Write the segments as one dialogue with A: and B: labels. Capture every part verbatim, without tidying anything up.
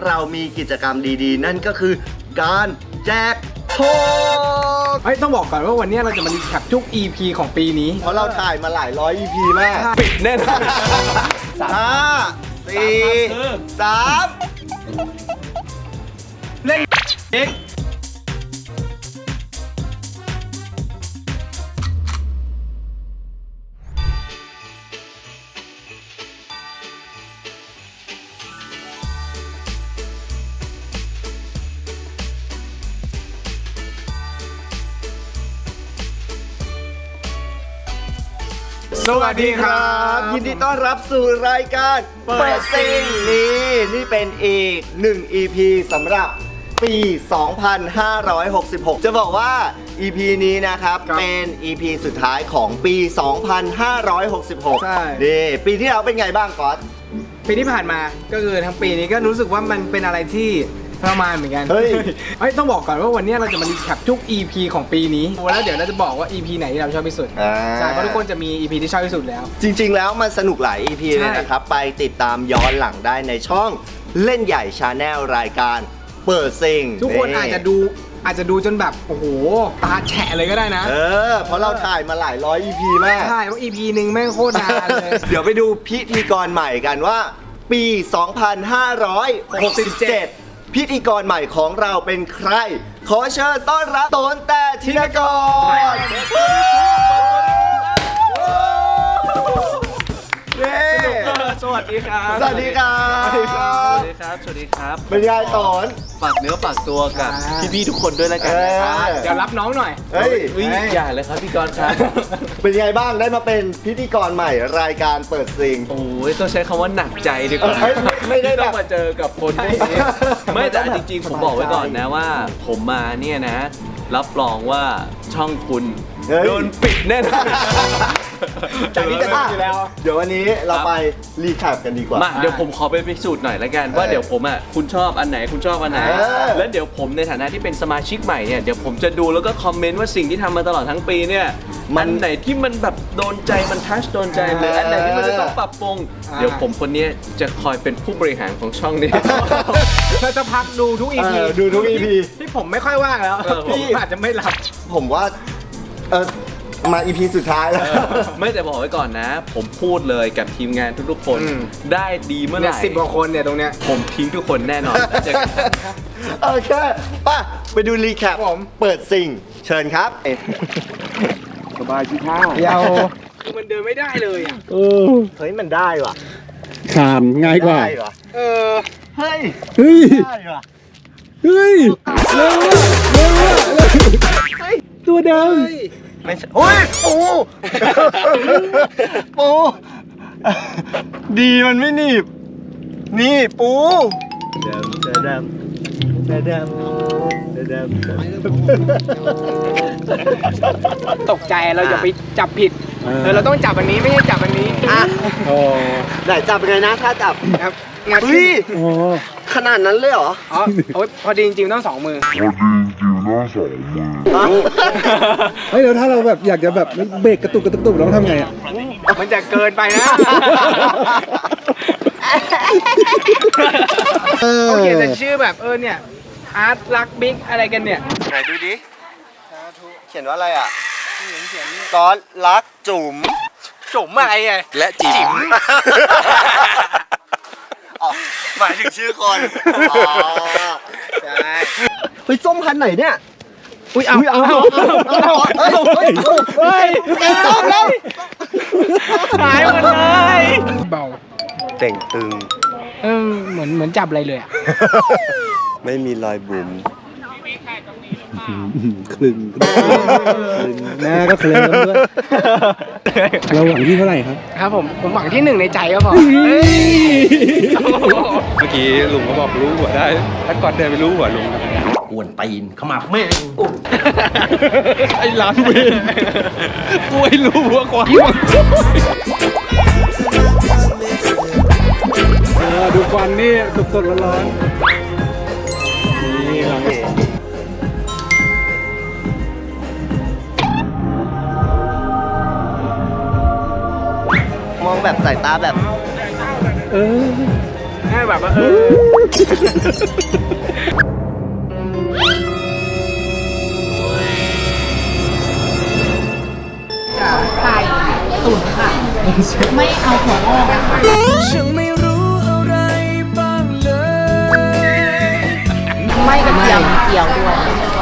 A: เรามีกิจกรรมดีๆนั่นก็คือการแจกโชค
B: เฮ้ยต้องบอกก่อนว่าวันนี้เราจะมารีแคปทุก อี พี ของปีนี้
A: เพราะเราถ่ายมาหลายร้อย อี พี มาก
B: ปิดแน่นอน
A: ห้าสี่สามเล่นเอ็ก
B: สวัสดีครับ
A: ยินดีต้อนรับสู่รายการเปิดซิงนี่นี่เป็นอีกหนึ่ง อี พี สำหรับปี สองพันห้าร้อยหกสิบหก จะบอกว่า อี พี นี้นะครับเป็น อี พี สุดท้ายของปี สองพันห้าร้อยหกสิบหก
B: ใช่
A: นี่ปีที่แล้วเป็นไงบ้างก๊อต
B: ปีที่ผ่านมาก็คือทั้งปีนี้ก็รู้สึกว่ามันเป็นอะไรที่ประมาณเหมือนกัน
A: เฮ้ย
B: เฮ้ยต้องบอกก่อนว่าวันนี้เราจะมารีแคปทุก อี พี ของปีนี้แล้วเดี๋ยวเราจะบอกว่า อี พี ไหนที่เราชอบที่สุด
A: อ่า
B: ใช่เพราะทุกคนจะมี อี พี ที่ชอบที่สุดแล้ว
A: จริงๆ แล้วมันสนุกหลาย อี พี
B: ใช่
A: เลยนะครับ ไปติดตามย้อนหลังได้ในช่องเล่นใหญ่ชาแนลรายการเปิดซิง
B: ทุกคนอาจจะดูอาจจะดูจนแบบโอ้โหตาแฉะเลยก็ได้นะ
A: เออเพราะเราถ่ายมาหลายร้อย อี พี มาก
B: ใช่เพราะ อี พี หนึ่งแม่งโคตรนานเลย
A: เดี๋ยวไปดูพิธีกรใหม่กันว่า ปี สองพันห้าร้อยหกสิบเจ็ด พิธีกรใหม่ของเราเป็นใคร ขอเชิญต้อนรับโตนแต่ธินกรเย้
C: สวัสดีครับ
A: สวัสดีครับ
C: สวัสดีครับ สวัสดีครับ สวัสดีครับ
A: เป็นไงโตน
C: ฝากเนื้อฝากตัวกับ
B: อ่า
C: พี่ๆทุกคนด้วยแล้วกันนะครับ
A: เออ
B: เดี๋ยวรับน้องหน่อย
A: เฮ้ย
C: อุ๊ยอย่าเลยครับพี่กรณ์ครับ
A: เป็นไงบ้างได้มาเป็นพิธีกรใหม่รายการเปิดซิง
C: โอ้ยต้องใช้คำว่าหนักใจดีกว่า
A: เออไม่ไม่ได้แบบ
C: ต้องมาเจอกับคนพวกนี้ไม่แต่จริงๆ ผมบอกไว้ก่อนนะว่า ผมมาเนี่ยนะ รับรองว่าช่องคุณ
A: เฮ้ย
C: โดนปิดแน่นอน
B: จากนี้จะทำอยู่แล้ว
A: เดี๋ยววันนี้เราไปรีแคปกันดีกว่า
C: มาเดี๋ยวผมขอไปพิสูจน์หน่อยละกันว่า
A: เออ
C: เดี๋ยวผมอ่ะคุณชอบอันไหนคุณชอบอันไหน
A: เออ
C: แล้วเดี๋ยวผมในฐานะที่เป็นสมาชิกใหม่เนี่ยเดี๋ยวผมจะดูแล้วก็คอมเมนต์ว่าสิ่งที่ทำมาตลอดทั้งปีเนี่ยมันไหนที่มันแบบโดนใจมันทัชโดนใจหรืออันไหนที่มันจะต้องปรับปรุง
B: อ่า
C: เดี๋ยวผมคนนี้จะคอยเป็นผู้บริหารของช่องนี้
B: เราจะพักดูทุก อี พี
A: เออดูทุก อี พี
B: ที่ผมไม่ค่อยว่างแล้ว
C: เออ
B: พี่อาจจะไม่รับ
A: ผมว่าเออมา อี พี สุดท้ายแล้ว
C: เออไม่แต่บอกไว้ก่อนนะ ผมพูดเลยกับทีมงานทุกๆคน
B: อืม
C: ได้ดีเมื่อไห
B: เนี่ย
C: ร่
B: สิบกว่าคนเนี่ยตรงเนี้ย
C: ผมทิ้งทุกคนแน่นอนแล้วเจอกัน
A: โอเคป่ะไปดูรีแคป
B: ผม
A: เปิดซิงเชิญครับ
B: สบายชิท่าเดียวมันเดินไม่ได้เลยอ่ะ
D: เออ
A: เฮ้ยมันได้ว่ะ
D: ขามง่ายกว่า
A: ได้ว่ะ
B: เออ
A: เฮ้ย
D: เฮ้ย
A: ได้ว่ะ
D: เฮ้ย เร็วอะเร็วอะเร็วตัวด
A: ไม่ใช่โอ้ยปูปูดีมันไม่หนีบ นี่ปูเดิมเดิมเดิมเดิมเดิมเดิม
B: ตกใจเราอย่าไปจับผิด
D: ำ
B: เออเราต้องจับอันนี้ไม่ใช่จับอันนี้
A: อ่ะ
D: โอ้
A: ไหนจับยังไงนะถ้าจับ
B: ครับงัด
A: เฮ้ย
D: โอ้
A: ขนาดนั้นเลยเหรอ
B: อ๋อเอาไว้พอดีจริงๆต้องสองมือ
D: เฮ้ยแล้วถ้าเราแบบอยากจะแบบเบรกกระตุกกระตุกกระตุกเราต้องทำไงอ่ะ
B: มันจะเกินไปนะเขาเขียนแต่ชื่อแบบเออเนี่ยอาร์ตลักบิ๊กอะไรกันเนี่ย
A: ไหนดูดิ เขียนว่าอะไรอ่ะก๊อตรักจุ๋ม
B: จุ๋มอะไรไง
C: และจิ๋ม
A: อ๋อหมายถึงชื่อคน อ๋อ
B: ใช่
A: เฮ้ยส้มพันธุ์ไหนเนี่ย
B: อุ้ยเอา
A: อุ้ยเอาเอาเอาเอาเฮ้ยเฮ้ยเป็นส้มแล้ว
B: หายหมดเลยเบา
A: เต่งตึง
B: เออเหมือนเหมือนจับอะไรเลยอ่ะ
A: ไม่มีรอยบุ๋ม
D: คลึงหน้าก็เคลิ้มด้วยเราหวังที่เท่าไหร่ครับ
B: ครับผมผมหวังที่หนึ่งในใจก็พอ
E: เมื่อกี้ลุงเขาบอกรู้หัวได้ ถ้าก่อนเดินไปรู้หัวลุง
A: กวนตีนเข้ามาแม่ง
E: ไอ้ร้านเวรกูไม่รู้หัวควาย
D: เออดูควันนี่สดๆร้อนๆนี่หลัง
A: มองแบบสายตาแบบ
D: เออ
B: ให้แบบว่าเออ
F: ไก่ตุ๋นค่ะ ไม่เอาหัวงอกนะคะ
C: ฉันไม่รู้อะไรบ้างเลย
F: ไม่กระเทียมเจียวด้วย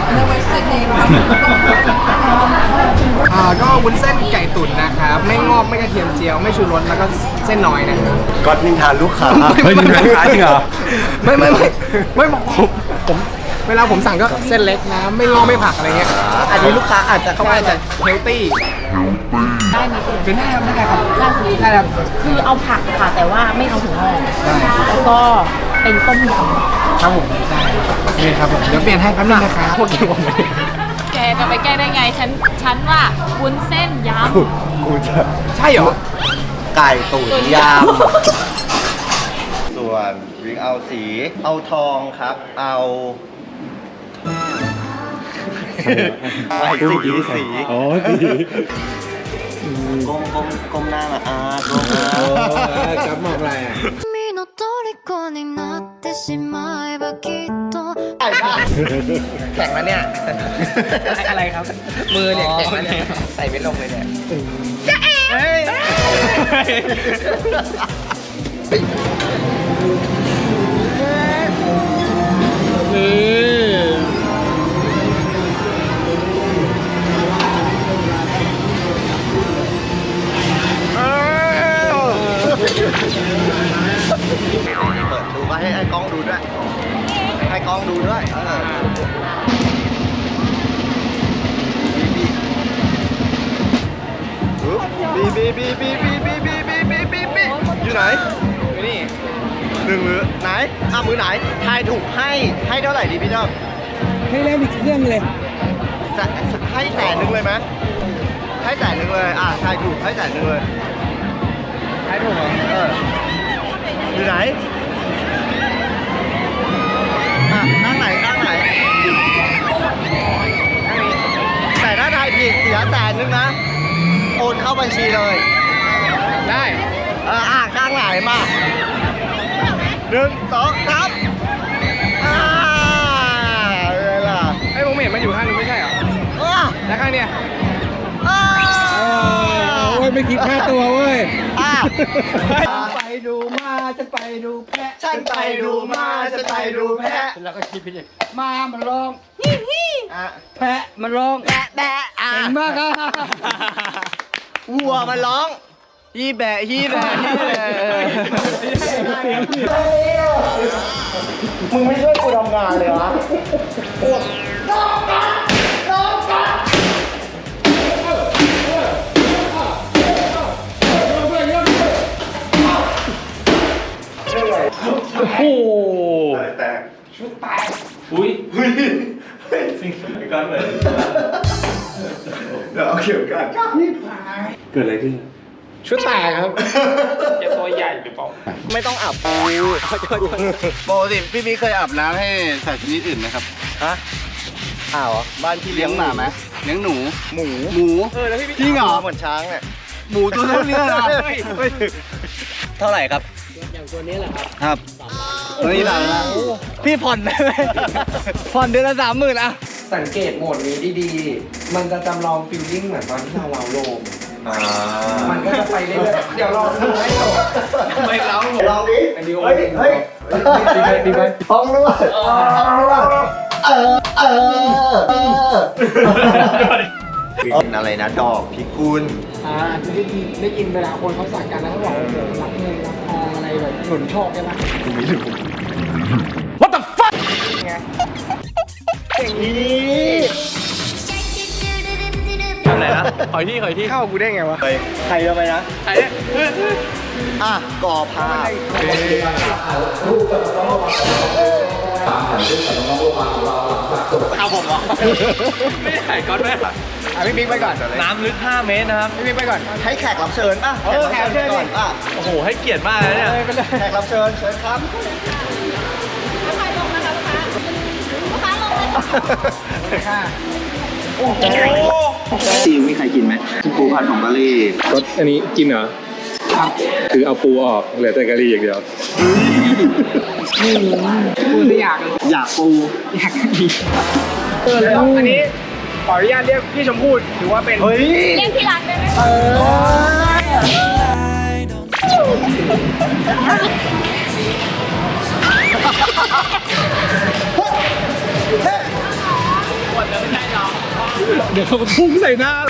B: อ่าก็วุ้นเส้นไก่ตุ๋นนะครับไม่งอกไม่กระเทียมเจียวไม่ชูรสแล้วก็เส้นน้อยนะครับ
A: ก็นินทานลูกค้า
E: เฮ้ยนี่เป็นขายจริงเหรอ
B: ไม่ไม่ไม่ไม่บอกผมผมเวลาผมสั่งก็เส้นเล็กนะไม่งอกไม่ผักอะไรเงี้ยอันนี้ลูกค้าอาจจะเขาอาจจะเฮลตี้
F: ได้ไหมคุณ
B: เป็นได้ครับได้ครับ
F: ได้สิ
B: ได้ครับ
F: คือเอาผักค่ะ แต่ว่าไม่เอาหัวงอกแล้วก็เป็นต้มยำ
B: ครับผมได้โอเคครับผมเดี๋ยวเปลี่ยนให้แป๊บนึงนะครับพวกกินผมไม่ได้
G: แกจะไปแก้ได้ไง ฉัน ฉันว่าวุ้นเส้นย
A: กูจะ
B: ใช่เหรอ
A: ไก่ตุ๋นยำส่วนวิงเอาสี เอาทองครับ เอาไม่สีสี
D: อ๋อสี
A: ก้มก้มก้มหน้ามาอ่าก้มหน้า
B: กับหมอกอะไรอ่ะ
H: 君の虜になってしまえばきっと
B: แข็งแล้วเนี่ย อะไรครับ มือเนี่ยแข็งแล้วเนี่ยใส่ไม่ลงเลยเนี่ยเฮ้ย
A: เปิดดูมาให้ไอ้กล้องดูด้วย ให้กล้องดูด้วยเออบีบีบีบีบีบีบีบีบีบีบีอยู่ไหน
B: อยู่นี่
A: หนึ่งมือไหนอ่ะมือไหนทายถูกให้ให้เท่าไหร่ดีพี่เจ้า
D: ให้แล้วอีกเครื่องเลย
A: แสให้แสนหนึ่งเลยไหมให้แสนหนึ่งเลยอ่ะทายถูกให้แสนหนึ่งเลย
B: ให้ถูกเหรอ
A: เอออยู่ไหนอ่ะข้างไหนข้างไหนแต่ถ้าทายผิดเสียแสนหนึ่งนะโอนเข้าบัญชีเลย
B: ได้
A: เอออ่ะข้างไหนมาหนึ่งสองสามอ่าเวลา
B: ไอ้ผมเห็นมันอยู่ข้างนู้นไม่ใช่เหรอ
A: อ่ะ
B: แล้วข้างเนี้ย
A: อ่า
D: โอ้ยไม่คิดค่าตัวเว้ย
A: อ่ะ
B: ไปดูมาจะไปดูแพะ
A: ฉันไปดูมาจะไปดูแพะ
B: แล้วก็คิดไปดิมามันร้อง
A: อ่ะ
B: แพะมันร้อง
A: แบะแบะอ่ะ
B: เก่งมากครับ
A: วัวมันร้องฮีแบะฮีแบะฮีแบะมึงไม่ช่วยกูทำงานเลยวะโอ้โหแตกชุดแตกอุ้ยอุ้ยสิ่งที่กันเลยเดี๋ยวเอาเข็มกัด
E: เกิดอะไรขึ้น
B: ชุดแตกครับจะตัวใหญ่หรือเปล่า
A: ไม่ต้องอาบปูปกติพี่พี่เคยอาบน้ำให้สัตว์ชนิดอื่นไหมครับ ฮะอ้าวเหรอบ้านพี่เลี้ยงหมาไหมเลี้ยงหนู หมู หมู
B: เออแล้วพี่
A: จริงเหรอเหมือนช้างเนี่ยหมูตัวเท่านี้นะเท่าไหร่ครับ
B: อย่างตัวนี้แหละครับ
A: ครับตัวนี้หลังนะพี่ผ่อนได้ไหมผ่อนเดือนละสามหมื่นอะ
B: สังเกตโหมดนี้ดีๆ มันจะจำลองฟิลลิ่งเหมือนตอนที่เราเราโลมมันก็จะไปเรื่อยๆเดี๋ยวลองดูให้จบทำไมเรา
A: ลองดิ
B: ไอ้ดิว
A: เฮ้ยเฮ้ย
B: ดีไปดีไป
A: ห้องนวดห้องนวดเออเออเออเป็นอะไรนะดอกพิกุล
B: อ่าคือได้ยินได้ยินเวลาคนเขาสั่งกันแล้วเขาบอกว่ารักเงินรักทองอะไรแบบหนุนโชคใช่ไหม
A: What the fuck ไงเก่งนี้
C: ทำอะไรนะขอยที่ขอยที่
B: เข้ากูได้ไงวะ
A: ไปใครจะไปนะ
C: ใครเนี่ย
A: อ่ะก่อผ้า
C: เอาผมเหรอไม่ได้ถ่ายก้อนแม่
B: อ่ะพี่บิ๊กไปก่อน
C: น้ำลึกห้าเมตรนะครับ
B: พี่บิ๊กไปก่อน
A: ให้แขกรับเชิญป่ะ
B: เออแขกรับเชิญดิ
A: ก่อนอ่ะ
C: โอ้โห ให้เกียรติมากเลยเนี่ย
B: ไปเลย
A: แขกรับเชิญเชิญครับ
B: ค่ะ
A: ซีมีใครกินไหมปูผัดของกะหรี่
E: รสอันนี้กินเหรอ คือเอาปูออกเหลือแต่กะหรี่อย่างเดียว
A: เ
D: ไม่รู้พูดไม่อยากเลย
A: อยากปู
D: อยากดีเออแล้วอันนี้ขออนุญาตเรียกพี่ชมพู่ถือว่าเป็น
A: เฮ้ย
G: เรียกที่รักได้ไหม
D: เออเดี๋ยวเขาพุ่งใส่หน้า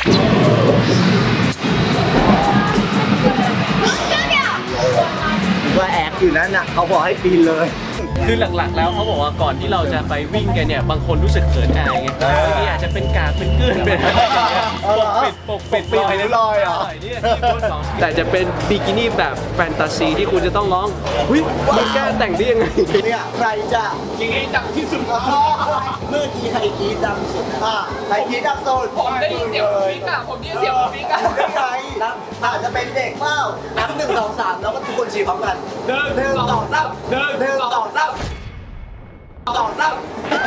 A: ว่าแอกอยู่นั้นน่ะเขาบอกให้ปีนเลย
C: คือหลักๆ แล้วเขาบอกว่าก่อนที่เราจะไปวิ่งกันเนี่ยบางคนรู้สึกเขินอายไงบางทีอาจจะเป็นกากเป็นเกลื่อนเป็นอะไรอย่างเงี้ยปกปิดปกปิด
A: ปกปิดริ้วรอยเหรอ
C: เนี่ยที่โพสต์ของแต่จะเป็นบิกินี่แบบแฟนตาซีที่คุณจะต้องร้องหุ้ยมึงกล้าแต่งได้ยังไง
A: เนี่ยใครจะกินให้ดังที่สุดเมื่อกี้ใครกรีดดังสุดอ่ะใครกรีดดังสุด
G: ผมได้ยินเสียงผมปิ๊กอะผมได้ยินเสียงผมปิ๊กอะ
A: ได้ไงอาจจะเป็นเด็กเปล่านับหนึ่งสองสามแล้วก็ทุกคนชี้พร้อมกันหนึ่งหนึ่งสองสามหนึ่งหนึ่งสองสามสองสาม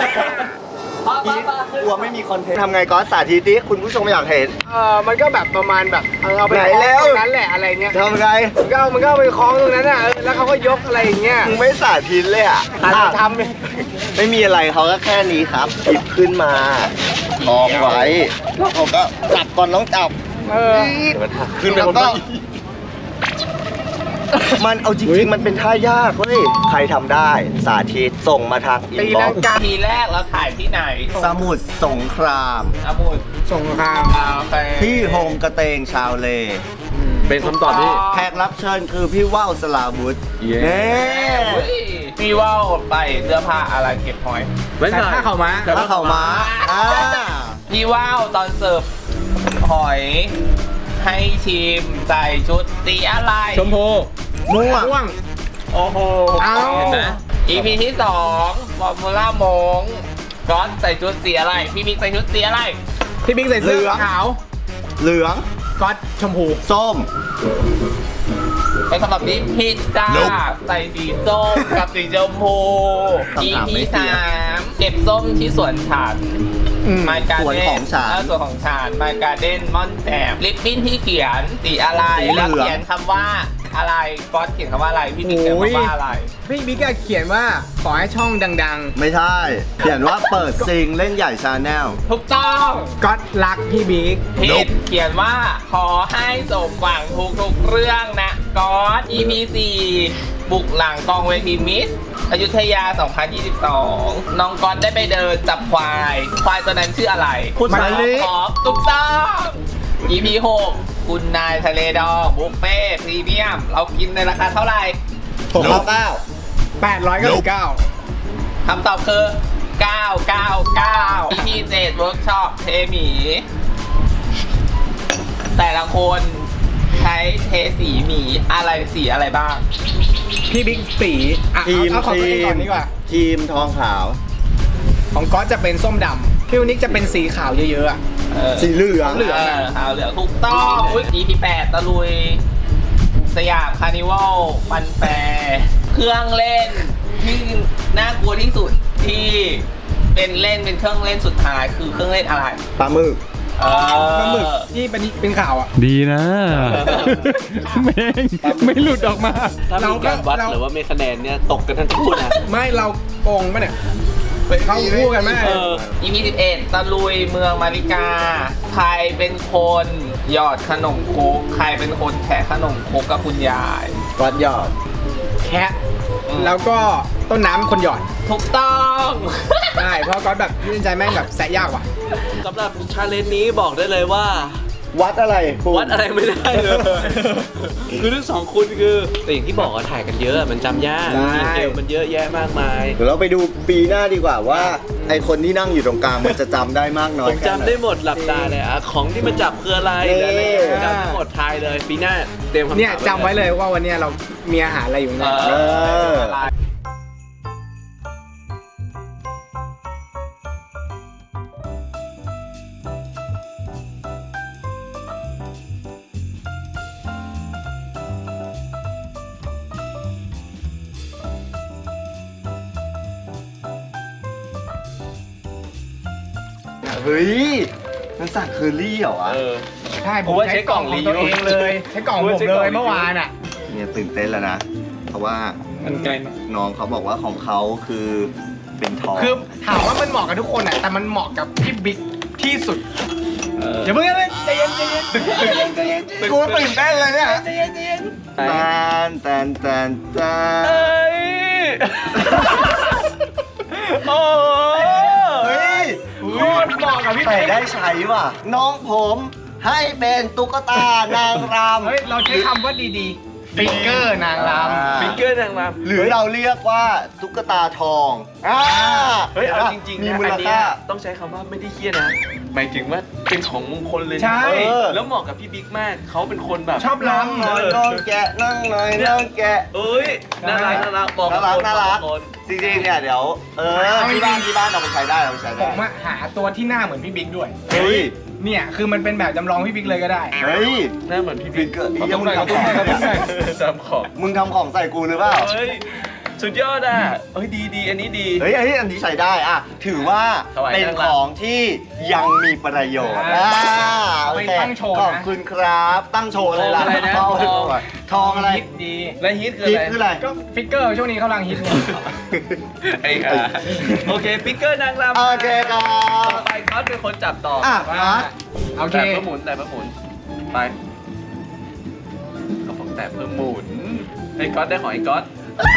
A: กลัวไม่มีคอนเทนต์ทำไงก็สาธิตดิคุณผู้ชมอยากเห็น
D: เออมันก็แบบประมาณแบบเออเอาไป
A: ไหน
D: คล้อง
A: แล้ว
D: ตรงนั้นแหละอะไรเงี้ย
A: ทำไง
D: มันก็เอามันก็เอาไปคล้องตรงนั้นอ่ะเออแล้วเขาก็ยกอะไรอย่างเงี้ย
A: มึงไม่สาธิตเลยอ่ะ
D: อาจจะทำเลย
A: ไม่มีอะไรเขาก็แค่นี้ครับหยิบขึ้นมาคล้องไว้แล้วเขาก็จับก่อนต้องจับ
D: เออ
A: ขึ้นไปบนต้นมันเอาจริงๆ มันเป็นท่ายากเว้ย ใครทำได้สาธิตส่งมาทางอิน
D: ตี
A: บ็
D: ลั
A: อง ก
D: กา
B: ทีแรกเราถ่ายที่ไหน
A: สมุทรสงคราม
B: สมุทร
D: ส่งข้าม
B: อ่าไป
A: ที่โฮมกระเตงชาวเล
C: เป็นคำตอบที่
A: แขกรับเชิญคือพี่ว่าวสลาวุธ
C: เย้
A: เน่
B: เฮ้ยพี่ว่าวไปเสื้อผ้าอะไรเก็บหอย
C: ไม่
D: แต่
C: ใช่
D: ถ้าเขามา
A: ถ้าเขามาอ่า
B: พี่ว่าวตอนเสิร์ฟหอย ให้ชิมใส่ชุดสีอะไร
C: ชมพู
A: ม่วง
D: ม่วง
B: โอ้โห
D: เอ้า
B: เห็นไหม อี พี ที่สองฟอร์มูล่ามงก้อนใส่ชุดสีอะไร พี่บิ๊กใส่ชุดสีอะไร
D: พี่บิ๊กใส่เสื้อขาว
A: เหลือง
D: ก๊อตชมพู
A: ส้ม
B: เป็นคำตอบที่ผิดจ้า ใส่สีส้มกับสีชมพู อี
A: คำถาม
B: พี
A: ไม่เปลี่
B: สาย
A: น
B: มเก็บส้มที่สวนฉัน
D: อืม
B: ไมการ
A: สวน
B: เด้
A: ของฉัน
B: สวนของฉันไมการเด้นมอนแจมลิปบิ้นที่เขียนสีอะไร
A: สีเหลื
B: แล้ว
A: อง
B: เขียนคำว่าอะไรก๊อตเขียนคำว่าอะไร พี่บิ๊กเขียนคำว่าอะไร
D: พี่บิ๊กอะเขียนว่าขอให้ช่องดัง
A: ไม่ใช่ เขียนว่าเปิดซิงเล่นใหญ่ชาแนล
B: ถูกต้อง
D: ๆก๊อตรักพี่บิ๊ก
B: ผิดเขียนว่าขอให้สมหวังทุกทุกๆเรื่องนะก๊อต อี พี สี่บุกหลังกองเวทีมิสอยุธยา สองพันยี่สิบสอง น้องก๊อตได้ไปเดินจับควาย ควายตัวนั้นชื่ออะไร
A: คุณสาลี
B: ขอถูกต้อง อี พี หกคุณนายทะเลดองบุฟเฟ่พรีเมียม เรากินในราคาเท่าไหร่
A: หกเก้า
D: แปดร้อยเก้าสิบเก้า
B: คำตอบคือ เก้า เก้า เก้า อี พี เจ็ดเวิร์กช็อปเทหมี แต่ละคนใช้เทสีหมีอะไรสีอะไรบ้าง
D: พี่บิ๊กสีอ่ะ
A: ทีม
D: เอาเอาของ
A: ที
D: ตัวเองก่อ
A: ม
D: นดีกว่า
A: ทีมทองขาว
D: ของก๊อตจะเป็นส้มดำพี่วนิกจะเป็นสีขาวเยอะๆอ่ะ
B: เออ
A: สีเหลือง
B: เหลืองขาวเหลืองถูกต้อง อุ้ย อี พี แปดตะลุย สยามคาร์นิวัลฟันแฟร์เครื่องเล่นที่น่ากลัวที่สุดที่เป็นเล่นเป็นเครื่องเล่นสุดท้ายคือเครื่องเล่นอะไร
A: ปลาหมึก
B: เออ
D: ปลาหมึกที่เป็นเป็นข่าวอ่ะ
E: ดีนะแม่งไม่หลุดออกมา
C: ถ้ามีการวัด
D: เรา
C: หรือว่ามีคะแนนเนี่ยตกกันทั้งคู่นะ
D: ไม่เราโกงปะเนี่ยเขาคู่กันไหม
C: เออ
B: อี พี สิบเอ็ดตะลุยเมืองมาริกา ใครเป็นคนหยอดขนมโคกใครเป็นคนแคะขนมโคกกับคุณยาย
A: วัดยอด
D: แคะแล้วก็ต้นน้ำเป็นคนหยอด
B: ถูกต้อง
D: ใช่เพราะก๊อตแบบยื่นใจแม่งแบบแสะยากว่ะ
C: สำหรับชาเลนจ์นี้บอกได้เลยว่า
A: วัดอะไรปู
C: วัดอะไรไม่ได้เลย คือทั้งสองคุณคือแต่อย่างที่บอกว่าถ่ายกันเยอะมันจำยาก
A: ใช่
C: ดีเทลมันเยอะแยะมากมาย
A: เดี๋ยวเราไปดูปีหน้าดีกว่าว่า ไอคนที่นั่งอยู่ตรงกลางมันจะจำได้มากน้อ
C: ผ
A: ย
C: ม
A: แค่หน
C: จำได้หมดหลับตาเลยอะของที่มันจับคืออะไร
A: นี่
C: หรืออะไรจำได้หมดทายเลยปีหน้าเตรียมคำถาม
D: เนี่ยจำไว้เลยว่าวันเนี้ยเรามีอาหารอะไรอยู่
B: เอ
D: เนี่ย
A: เออ เฮ้ย มันสั่งเคอรี่เหรอวะ
C: เออ
D: ใช่ผ
C: ผม มว่า
D: ใช้
C: ใช้
D: ก
C: กล่
D: ล่อ
C: อง ง
D: ของตัว
C: รีวิว
D: เองเลยใช้กล่องผม
C: ผมว่าใช้
D: เล
C: กล่อง
D: ย
C: รีวิว
D: เมื่อวานอ่ะ
A: เนี่ยตื่นเต้นแล้วนะ เพราะว่า
E: มันไกลไหม
A: น้องเขาบอกว่าของเขาคือเป็นทอง
I: คือถามว่ามันเหมาะกับทุกคนอ่ะแต่มันเหมาะกับพี่บิ๊กที่สุดอย่าเพิ่งเลยใจเย็นใจเย็นใจเย็นใจเย็น
A: กูตื่นเต้นเลยเนี่ย
I: ใจเย็นใจเย็น
A: แตนแตนแตนแตน
C: เอ้ยโอ้
A: เฮ้ย
I: โคตรเหมาะกับพี่
A: แต่
I: บิ๊ก
A: ได้ใช้ว่ะ น้องผมให้เป็นตุ๊กตานางรำ
I: เฮ้ยเราใช้คำว่าดีๆฟิกเกอร์นางรำ
C: ฟิกเกอร์นางรำ
A: หรือเราเรียกว่าตุ๊กตาทองอ่า
C: เฮ้ย เอาจริงๆ
A: มี
C: นะ
A: มู
C: อั
A: ล
C: นเนี้
A: ค่าย
C: ต้องใช้คำว่าไม่ได้เครียดนะ หมายถึงว่าเป็นของมงคลเลยนะ
I: ใช่
C: เออแล้วเหมาะกับพี่บิ๊กมาก เขาเป็นคนแบบ
I: ชอบ
A: นั่ง
I: รำ
A: หน่อยน้องแกะนั่งหน่อยน้องแกะ
C: เอ้ย น่ารักน่ารักบอก
A: น่ารัก
C: คน
A: น่ารัก
C: บอกคน
A: จริงๆเนี่ยเดี๋ยวเออที่บ้านที่บ้านเอาไปใช้ได้เอาไปใช้
I: ผ
A: ได้
I: มอะหาตัวที่หน้าเหมือนพี่บิ๊กด้วย
A: เฮ้ย
I: เนี่ยคือมันเป็นแบบจำลองพี่บิ๊กเลยก็ได้
A: เฮ้ย
C: หน้าเหมือนพี่
A: บิ๊
C: บิ๊
A: ก
C: ก
A: เกอร์
C: ขอ
A: ยัง
C: บ
A: มึงทำของ
C: จำของ
A: มึงทำของใส่กูหรือเปล่า
C: เฮ้ย สุดยอดอ่ะเอ้ยดีดีอันนี้ดี
A: เฮ้ยอันนี้อันนี้ใช้ได้อ่ะถือว่า
C: ถวาย
A: เป็น
C: นางรำ
A: ของที่ยังมีประโยชน์
I: อ่า
A: อ่า
I: เอาไป
A: โอเค
I: ตั้งโชว์นะ
A: ขอบคุณครับ ตั้งโชว์เลยล่ะ
C: ทองอะไรนะ
A: ทอง
C: ทอง
A: ทองอะไร
I: ฮิตดี
C: และฮิตคือ
A: ฮิต
C: อะไร
A: คืออะไร
I: ก็ฟิกเกอร์ช่วงนี้เขากำลังฮิตเนี่ย
C: ไอ้ห่าโอเคฟิกเกอร์นางรำ
A: โอเคครั
C: ต่อบ ไปก๊อตเป็นคนจับต่อ
A: อ่ะ
C: อ่ะ
A: มา
I: โอเค
C: แต่เพิ่มหมุนแต่เพิ่มหมุนไปก็บอกแต่เพิ่มหมุนไอ้ก๊อตได้ของไอ้ก๊อต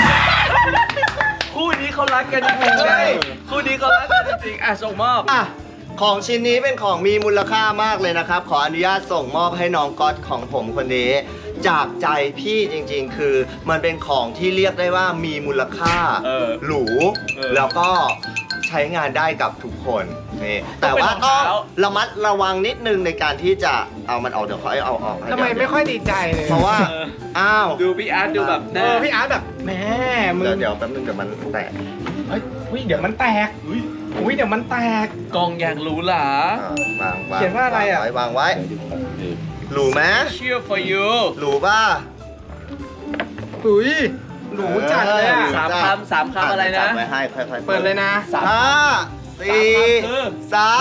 C: คู่นี้เขารักกันจริงๆเลยคู่นี้เขารักกันจริงๆอ่ะส่งมอบ
A: อ่ะของชิ้นนี้เป็นของมีมูลค่ามากเลยนะครับ ขออนุญาตส่งมอบให้น้องก๊อตของผมคนนี้ จากใจพี่จริงๆ คือมันเป็นของที่เรียกได้ว่ามีมูลค่า
C: เออ
A: หรู
C: เออ
A: แล้วก็ใช้งานได้กับทุกคนนี่แต่ว่า
C: ต้
A: ต้
C: อ
A: อง ง
C: เป็นรองเท้า
A: ระมัดระวังนิดนึงในการที่จะเอามันออกเดี๋ยวขอให้เอาออกให้
I: ทำไม
A: เดี๋ว
I: ไม่ค่อยดีใจเลย
A: เพราะว่า
C: เออ
A: อ้าว
C: ดูพี่อาร์ตดูแบบห
I: เอ
C: น้า
I: อพี่อาร์ตแบบแหม่มึง
A: เดี๋ยวเดี๋ยวแป๊บนึงเดี๋ยวมันแตก
I: เฮ้ยอุ๊ยเดี๋ยวมันแตกอุ้ยเดี๋ยวมันแตก
C: กองอย่างหรูหรา
A: อ่าวางวาง
I: เขียนว่าอะไรอ่ะ
A: วางไว้วางไว้หรูไหม
C: Cheer for you
A: หรูป่ะ
I: อุ้ยหรูจัดเลยอ่ะ
C: สามคำสามคำอะไรนะ
A: จับไว้ให้ค่อยๆ
I: เปิดเลยนะ
A: ห้าสี่สาม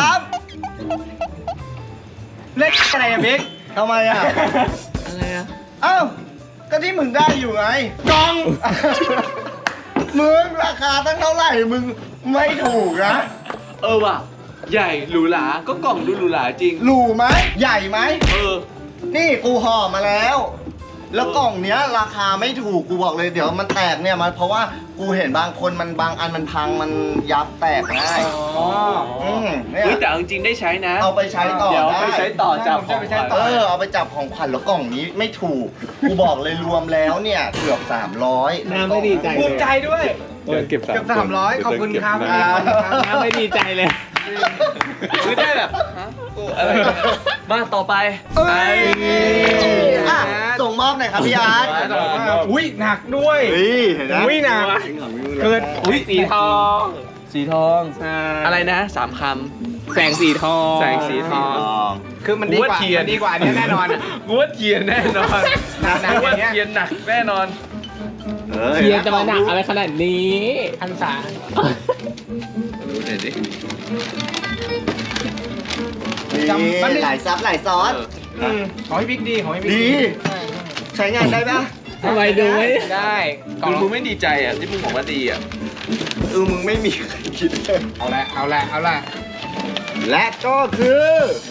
I: เล่นอะไรอะบิ๊ก
A: ทำไมอ่ะ
C: อะไรอ่ะ
A: เอ้าก็ที่มึงได้อยู่ไง
I: กล่อง
A: มึงราคาตั้งเท่าไหร่มึงไม่ถูกนะ
C: เออว่ะ ใหญ่หรูหรา ก็กล่องดูหรูหราจริง
A: หรูไหมใหญ่ไหม
C: เออ
A: นี่กูห่อมาแล้ว แล้วกล่องเนี้ยราคาไม่ถูกกูบอกเลยเดี๋ยวมันแตกเนี่ยมันเพราะว่ากูเห็นบางคนมันบางอันมันพังมันยับแตกง่าย
I: อ๋อ
A: อืมเนี่
C: เฮ้ย
A: ย
C: แต่เอาจริงๆได้ใช้นะ
A: เอาไปใช้ต่อ
C: เดี๋ยว
A: ได้
C: ไปใช้ต่อจับ
I: ผมจะไปใช้ต่
A: เออเอาไปจับของขวัญแล้วกล่องนี้ไม่ถูก กูบอกเลยรวมแล้วเนี่ยเกือบสามร้อย
E: น้ำไม่ดีใจ
I: ภูมิใจด้วย
E: เดี๋ยวเก็บ
I: เกือบสามร้อยขอบคุณครับ
E: น้ำไม่ดีใจเลย
C: คือได้แบบฮะกูอะไรเนี่ยมาต่อไป
A: เอ้ยอ่ะส่งมอบหน่อยครับพี่อาร์ต
I: อุ้ยหนักด้วย
A: เฮ้ยเห็นไหม
I: อุ้ยหนักเกิด
C: อุ้ยสีทอง สีทอง
E: ใช่
C: อะไรนะสามค
E: แสงสีทอง
C: แสงสีทอง
I: คือมันดีกว่า
C: กูว่าเทียน
I: มันดีกว่าอันนี้แน่นอนอะ
C: ำกูว่าเทียนแน่นอน
I: หนักๆ
C: กูว่า
I: อย่างเงี้ย
C: เทียนหนักแน่นอน
E: เทียนจะมาหนักอะไรขนาดนี้
I: พันษา
C: รู้หน่อยดิ
A: นี่หลายซับหลายซ้อน
I: อืมของพี่บิ๊กดีของพี่บิ๊ก
A: ดี ใช้งานได้ปะ
E: ทำไมดูไม่
I: ได้กล่อง
C: มึงไม่ดีใจอ่ะที่มึงบอกว่าดีอ่ะ
A: เออมึงไม่มีใครคิดเลย
I: เอาละเอาละเอาละ
A: และก็คือ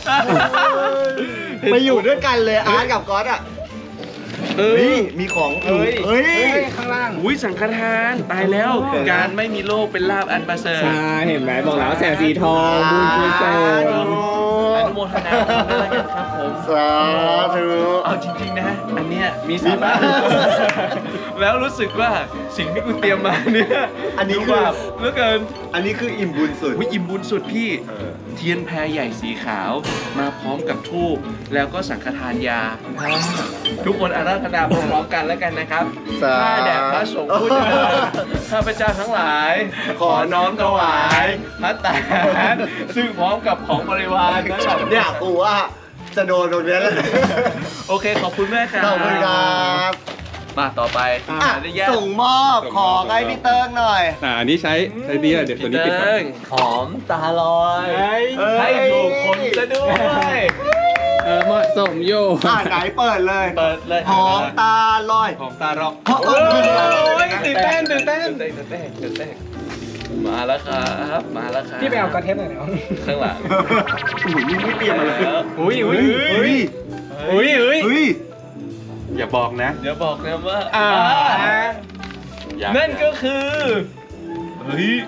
A: ไปอยู่ด้วยกันเลยอาร์ตกับก๊อตอ่ะ
C: เอ
A: เฮ้
C: อย
A: มีของ
C: เฮ้ย
A: เฮ้ย
I: เฮ้ยข้างล่าง
C: อุ้ยสังฆทานตายแล้ว การไม่มีโรคเป็นลาบอันประเสริฐ
E: ใช่เห็นไหมบอกแล้วแสงสีทองบุญกุศล
C: อนุโมทนาด้วยกันครับผม
A: สาธุ
C: เอาจริงๆนะ อันเนี้ยมีสาระแล้วรู้สึกว่าสิ่งที่กูเตรียมมาเนี่ย
A: อันนี้
C: ดู
A: คือ
C: แบบเหลือเกิน
A: อันนี้คืออิ่มบุญสุด
C: วิอิ่มบุญสุดพี่
A: เออ
C: เทียนแพรใหญ่สีขาว มาพร้อมกับธูปแล้วก็สังฆทานยา ทุกคนอาราธนาพร้อมๆกันแล้วกันนะครับ
A: สาธุ
C: ข้าแด่พระสงฆ์ผู้เจริญข้าพเจ้าทั้งหลาย ขอน้อมถวายพระตาหารซึ่งพร้อมกับของบริวารทั้งหลาย
A: เนี่ยกูว่าจะโดนโดนเนี้ยแล้ว
C: โอเค ขอบคุณแม่ครับ
A: ขอบคุณครับ
C: มาต่อไป
A: อ่ะ
C: อนุญาต
A: ส่งมอบของให้พี่เติ้งหน่อย
E: อ่าอันนี้ใช้ใช้ดีอ่ะเดี๋ยวตัวนี้ปิดก่อน
C: เติ้งหอมตาลอย
A: เอ้ย
C: ให้ถูกคนซะด้วย
E: เออเหมาะสมอยู่
A: อ่าไหนเปิดเลย
C: เปิดเลย
A: หอมตาลอย
I: หอมตาร็อก
A: เพราะเออ
I: ตื่นเต้นตื่นเต้น
C: ตื่นเต้นตื่นเต้นตื่นเต้นมาแล้วครับมาแล้วครับ
I: พี่ไปเอากระเทปหน่อยเดี๋ยว
C: ข้างหลัง
A: โอ้โหนี่ไม่เตรียมมาเลย
I: อุ้ยอุ้ย
A: เฮ้ย
I: อุ้ยอุ้ย
A: เฮ้ย
I: อย่าบอกนะ
C: เดี๋ยวบอกนะว่า
I: อ่า
C: อยาก
I: นั่นก็คือเฮ้ย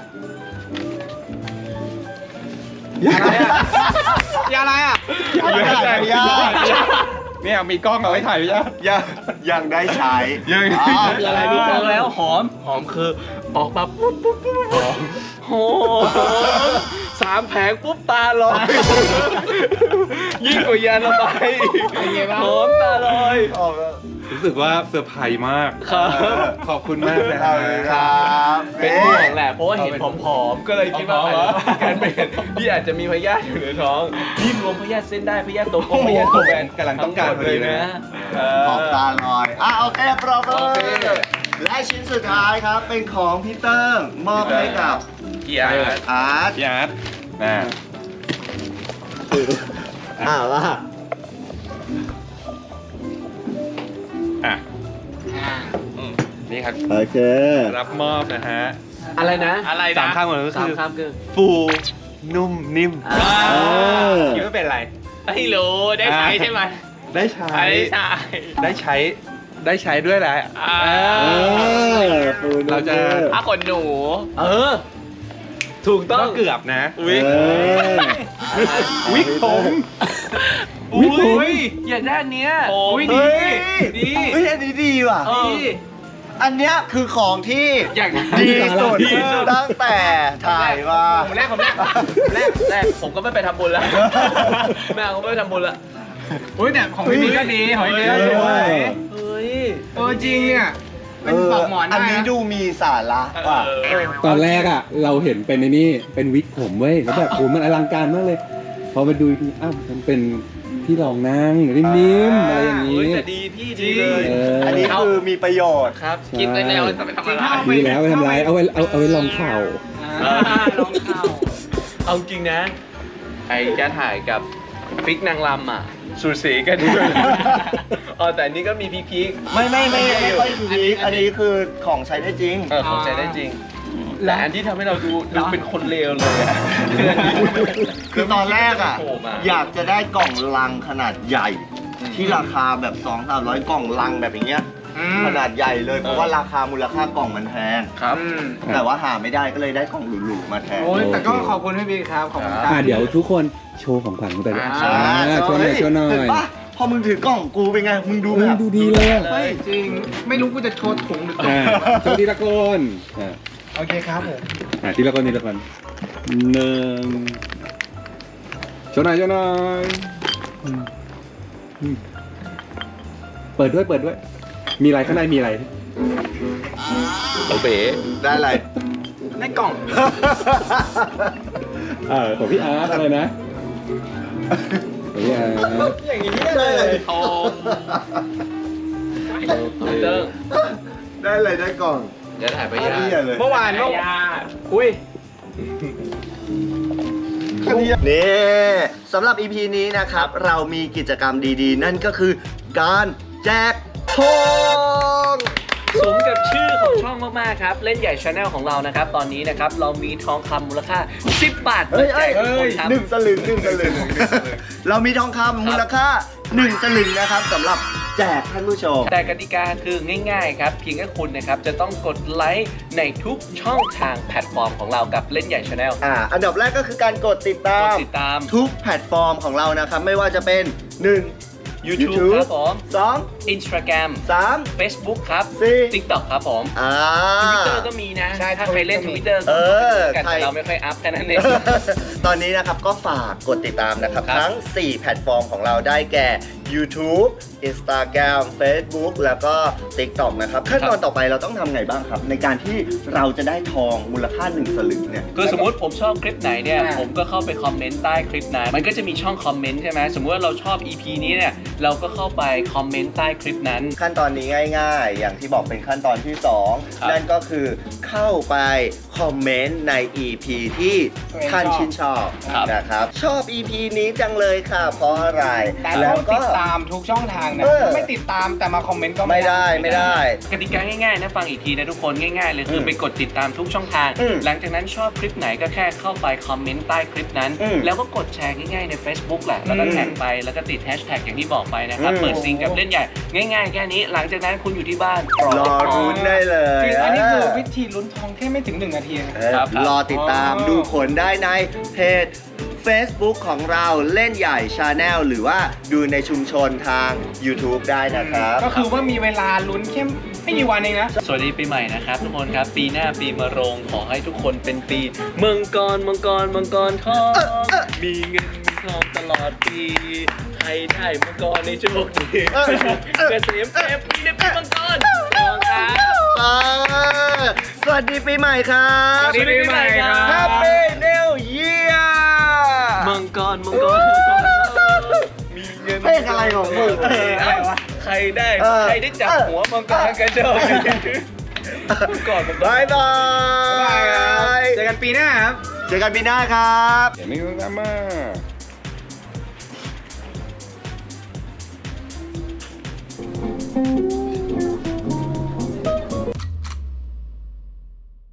I: ยาอะไรอ่ะยาอะไรอ่ะ
A: อย่าถ่ายไม่ยาก
I: เนี่ยมีกล้องเอาไว้ถ่ายไม่ยาก
A: ยังยังได้ใช้
I: ยัง
A: อ๋อ
C: คืออะไรรู้ฟังแล้วหอมหอมคือออกมาปุ๊บปุ๊บปุ๊บหอมหอมสามแผงปุ๊บตาลอยยิ่งกว่ายาระบายหอมตาลอย
A: ออกแล้ว
I: รู้สึกว่าเซอร์ไพรส์มาก
C: ครับ
I: ขอบคุณมากนะ
A: ขอบคุณครับ
C: เป็นห่วงแหละเพราะว่าเห็นผอมๆก็เลยคิดว่าอาจจะมีการเป็นพี่อาจจะมีพยาธิอยู่ในท้องนี่รวมพยาธิเส้นได้พยาธิตัวโกงพยาธิตัวแบน
I: กำลังต้องการพอ
C: เล
I: ดี
C: ย
I: เลย
C: นะ
I: นะ
A: ออกตาลอย อ่ะโอเคปรบมื
C: โอเค
A: อและชิ้นสุดท้ายครับ เป็นของพี่เติ้งมอบให้กับ
C: พี่อาร์ต
A: อาร์ต
I: พี่อาร์ตนะ
A: อ่าว่า
I: อ่ะนี่ครับ
A: โอเค
I: รับมอบนะฮะ
C: อะไรนะ
B: อะไร
I: สาม
B: นะ
I: ข้างหมดก็
C: สาม
I: คือ
C: คำคือ
I: ฟูนุ่มนิ่ม
A: เออ
I: คิดว่าเป็นอะไร
B: ไม่รู้ได้ใช้ใช่ไหม
I: ได้ใช้
B: ใช้ใช่
I: ได้ใช้ได้ใช้ด้วยแหละ
B: อ่า
I: เอ
A: เอ
I: อ
A: อปูน
I: เราจะ
B: ผ้าขนหนู
C: เออ ถูกต้
I: ก็
C: อง
I: เกือบนะ
A: เออ
I: วิกผม
C: อุ้ยอยากได้อันเนี้ย
B: โอ้
C: อุ้ย
A: เฮ้
C: ดี
A: ย
C: ดี
A: เฮ้ยอันนี้ดีว่ะ
C: เออ
A: อันเนี้ยคือของที่
C: อยาก
A: ดีสุด
C: ดีสุด
A: ตั้งแต่ถ่ายมา
C: ผมแรกผมแรกแรกแรกผมก็ไม่ไปทำบุญแล้วแม่ผมไม่ไปทำบุญละ
I: อุ้ยเนี่ยของพี่นี่ก็ดีของพี่นี่ก็สวย
C: เฮ้ย
I: เออจริงเนี่ยเป็นปลอกหมอน
A: อันนี้
I: ได้ะ
A: ดูมีสาระว่ะ
D: ตอนแรกอ่ะ เราเห็นเป็นในนี่เป็นวิกผมเว้ยแล้วแบบโหมันอลังการมากเลย พอไปดูอีกทีอ้าวมันเป็นที่รองนั่งนิ่มๆอะไรอย่าง
C: เฮ้ย
D: นี้
C: แต่ดีพี่ดีเลย
D: เออ
A: อันนี้คือมีประโยชน์
C: ครับ
B: กินไปแล้วจะไปทำอะไร
D: ดีแล้วไปทำไรเอาไว้เอาเอาไว้รองเข่า
C: อ่าลองเข้าเอาจริงนะ ไอ้จะถ่ายกับฟิกนางลำอ่ะสูสีกันด้วยอ๋อแต่อันนี้ก็มีพีพีค
A: ไม่ไม่ไม่ไม่ค่อยคือพีคอันนี้คือของใช้ได้จริง
C: เออของใช้ได้จริง แต่อันที่ทำให้เราดูดูเป็นคนเลวเลยอะคืออันนี้
A: คือตอนแรกอ่ะ
C: โผล่มา
A: อยากจะได้กล่องลังขนาดใหญ่ ที่ราคาแบบสองสามร้อยกล่องลังแบบอย่างเงี้ย ขนาดใหญ่เลยเพราะว่าราคามูลค่ากล่องมันแพง
C: ครับ
A: แต่ว่าหาไม่ได้ก็เลยได้กล่องหรูๆมาแทน
I: โอ้ยแต่ก็ขอบคุณพี่บิ๊กครับ ขอบคุณครั
D: อ่าเดี๋ยวทุกคนโชว์ของขวัญกันไปเลย
I: อ่า
D: อ่าโชว์หน่อยโชว์หน่อ
A: เห็
D: ย
A: นปะพอมึงถือกล่องกูเป็นไง มึงดู
D: เฮ้
A: แบ
D: ย
A: บ
D: ดูดีเลยอ่ะ
I: เฮ้ยจริง ไม่รู้กูจะโชว์ถุงหรือ
D: อ่าโชว์ทีละคนอ่า
I: โอเคครับผม
D: อ่าทีละคนทีละคนหนึ่งโชว์หน่อยโชว์หน่อยอืมอืมเปิดด้วยเปิดด้วย มีอะไรข้างในมีอะไร
C: โอเบ๋
A: ได้อะไร
I: ในกล่อง
D: เออของพี่อาร์ตอะไรนะของพี่อาร์ต
I: อย่างนี้ได้เลย
B: โอ้
C: เติ้ง
A: ได้อะไรได้กล่อง
C: เดี๋ยวถ่ายไปยา
A: เหี้ยเลย
I: เมื่อวานเมื่อวาน
B: ญาติ
I: อุ้ย
A: นี่สำหรับ อี พี นี้นะครับ เรามีกิจกรรมดีๆ นั่นก็คือการแจกทอง
C: สมกับชื่อของช่องมากๆครับ เล่นใหญ่ชาแนลของเรานะครับ ตอนนี้นะครับ เรามีทองคำมูลค่า สิบบาท
A: เฮ้ย
C: มาแจ
A: เอ้ย
C: กทุกคนครับ
A: หนึ่งสลึงหนึ่งสลึง เรามีทองคำมูลค่าหนึ่งสลึงนะครับสำหรับแจกท่านผู้ชม
C: แต่กติกาคือง่ายๆครับ เพียงแค่คุณนะครับ จะต้องกดไลค์ในทุกช่องทางแพลตฟอร์มของเรากับเล่นใหญ่ชาแนล
A: อ่า อันดับแรกก็คือการกดติดตาก
C: ด
A: ม
C: ติดตาม
A: ทุกแพลตฟอร์มของเรานะครับ ไม่ว่าจะเป็นหนึ่ง
C: YouTube ครับผม
A: สอง
C: Instagram
A: สาม
C: Facebook ครับ
A: สี่
C: TikTok ครับผม
A: อ่า
C: Twitter ก็มีนะ
I: ใช่
C: ถ้าใครเล่น Twitter
A: เออ
C: กัน
A: ใคร
C: แต่เราไม่ค่อยอัพแค่นั้นเอง
A: ตอนนี้นะครับก็ฝากกดติดตามนะครับ
C: ครับ
A: ทั้ง สี่ แพลตฟอร์มของเราได้แก่ YouTube Instagram Facebook แล้วก็ TikTok นะครับขั้นตอนต่อไปเราต้องทำไงบ้างครับ ในการที่เราจะได้ทองมูลค่าหนึ่งสลึงเนี่ย
C: คือสมมติผมชอบคลิปไหนเนี่ยผมก็เข้าไปคอมเมนต์ใต้คลิปนั้นมันก็จะมีช่องคอมเมนต์ใช่ไหมสมมติว่าเราชอบ อี พี นี้เนี่ยเราก็เข้าไปคอมเมนต์ใต้คลิปนั้น
A: ขั้นตอนนี้ง่ายๆ อย่างที่บอกเป็นขั้นตอนที่สอง
C: ครับ
A: นั่นก็คือเข้าไปคอมเมนต์ใน อี พี ที่ท่านชื่นชอบนะครับชอบ อี พี นี้จังเลยค่ะเพราะอะไร
I: แต่
A: แล้
I: ต้
A: ว
I: อง
A: ก็
I: ติดตามทุกช่องทางนะ
A: เออ
I: ถ้าไม่ติดตามแต่มาคอมเมนต์ก็
A: ไม่ได้ไม่ได้
C: กติกาง่ายๆนะฟังอีกทีนะทุกคนง่ายๆเลยคือ
A: ม
C: ไปกดติดตามทุกช่องทาง
A: อืม
C: หลังจากนั้นชอบคลิปไหนก็แค่เข้าไปคอมเมนต์ใต้คลิปนั้น
A: อืม
C: แล้วก็กดแชร์ง่ายๆใน Facebook แหละแล้วก็
A: อืม
C: แท็กไปแล้วก็ติดแฮชแท็กอย่างที่บอกไปนะครับ
A: อืม
C: เปิดซิงกับเล่นใหญ่ง่ายๆแค่นี้หลังจากนั้นคุณอยู่ที่บ้าน
A: รอรุ้นได้เลย
I: จริงอันนี้คือวิธีลุ้นทองแค่ไม่ถึงหนึ่งนาทีเอง
A: เออ
C: ครับ
A: รอติดตาม
I: อ๋อ
A: ดูผลได้ในเพจ Facebook ของเราเล่นใหญ่ Channel หรือว่าดูในชุมชนทาง YouTube ได้นะครับ
I: ก็คือว่ามีเวลาลุ้นแค่ไม่กี่วันเองนะ
C: สวัสดีปีใหม่นะครับทุกคนครับปีหน้าปีมะโรงขอให้ทุกคนเป็นปีมังกรมังกรมังกรทองมีเงินมีทองตลอดปีใครได้มังกรในโชคดี
A: เออเออ
C: เกษมเอฟปีในปีมังกรทองครับ
A: เออสวัสดีปีใหม่ครับ
I: สวัสดีปีใหม่ครับ
A: Happy New Year
C: มังกรมังกรมังกรมีเงิน
A: เพลงอะไรของมึง
C: เอออะไรวะใครได้
A: เออ
C: ใครได้จับหัวมังกรกันโชคดีมังกรมังกร
A: บายบาย
I: เจอกันปีหน้าครับ
A: เจอกันปีหน้าครับ
D: เดี๋ยวไม่ต้องมา